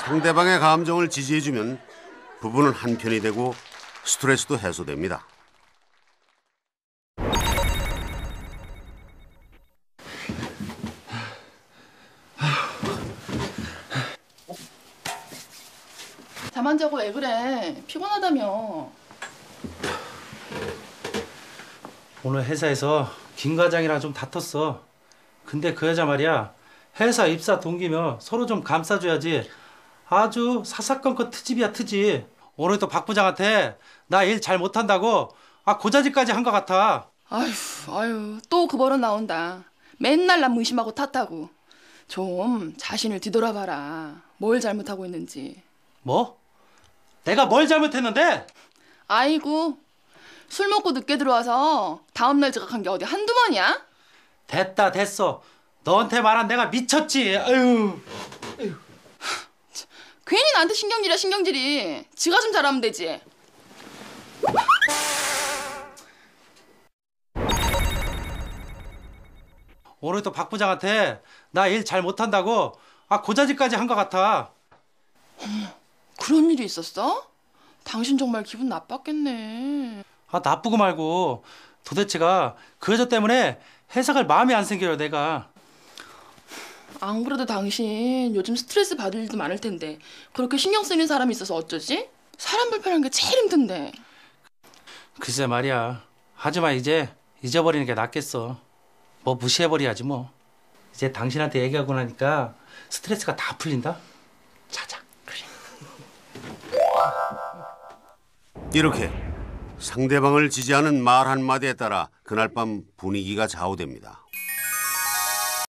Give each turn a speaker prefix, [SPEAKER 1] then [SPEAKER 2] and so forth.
[SPEAKER 1] 상대방의 감정을 지지해주면 부부는 한편이 되고 스트레스도 해소됩니다.
[SPEAKER 2] 잠 안 자고 왜 그래? 피곤하다며.
[SPEAKER 3] 오늘 회사에서 김 과장이랑 좀 다퉜어. 근데 그 여자 말이야, 회사 입사 동기며 서로 좀 감싸줘야지. 아주 사사건건 트집이야, 트집. 오늘도 박 부장한테 나 일 잘 못한다고 고자질까지 한 것 같아.
[SPEAKER 2] 아유, 또 그 버릇 나온다. 맨날 남 의심하고 탓하고. 좀 자신을 뒤돌아봐라. 뭘 잘못하고 있는지.
[SPEAKER 3] 뭐? 내가 뭘 잘못했는데?
[SPEAKER 2] 아이고, 술 먹고 늦게 들어와서 다음날 지각한 게 어디 한두 번이야?
[SPEAKER 3] 됐다, 됐어. 너한테 말한 내가 미쳤지. 아유.
[SPEAKER 2] 괜히 나한테 신경질이야, 신경질이. 지가 좀 잘하면 되지.
[SPEAKER 3] 오늘도 박 부장한테 나 일 잘 못한다고 고자질까지 한 것 같아.
[SPEAKER 2] 그런 일이 있었어? 당신 정말 기분 나빴겠네.
[SPEAKER 3] 나쁘고 말고 도대체가 그 여자 때문에 회사 갈 마음이 안 생겨요, 내가.
[SPEAKER 2] 안 그래도 당신 요즘 스트레스 받을 일도 많을 텐데 그렇게 신경 쓰이는 사람이 있어서 어쩌지? 사람 불편한 게 제일 힘든데.
[SPEAKER 3] 글쎄 말이야. 하지만 이제 잊어버리는 게 낫겠어. 뭐 무시해버려야지 뭐. 이제 당신한테 얘기하고 나니까 스트레스가 다 풀린다. 자자. 그래.
[SPEAKER 1] 이렇게 상대방을 지지하는 말 한마디에 따라 그날 밤 분위기가 좌우됩니다.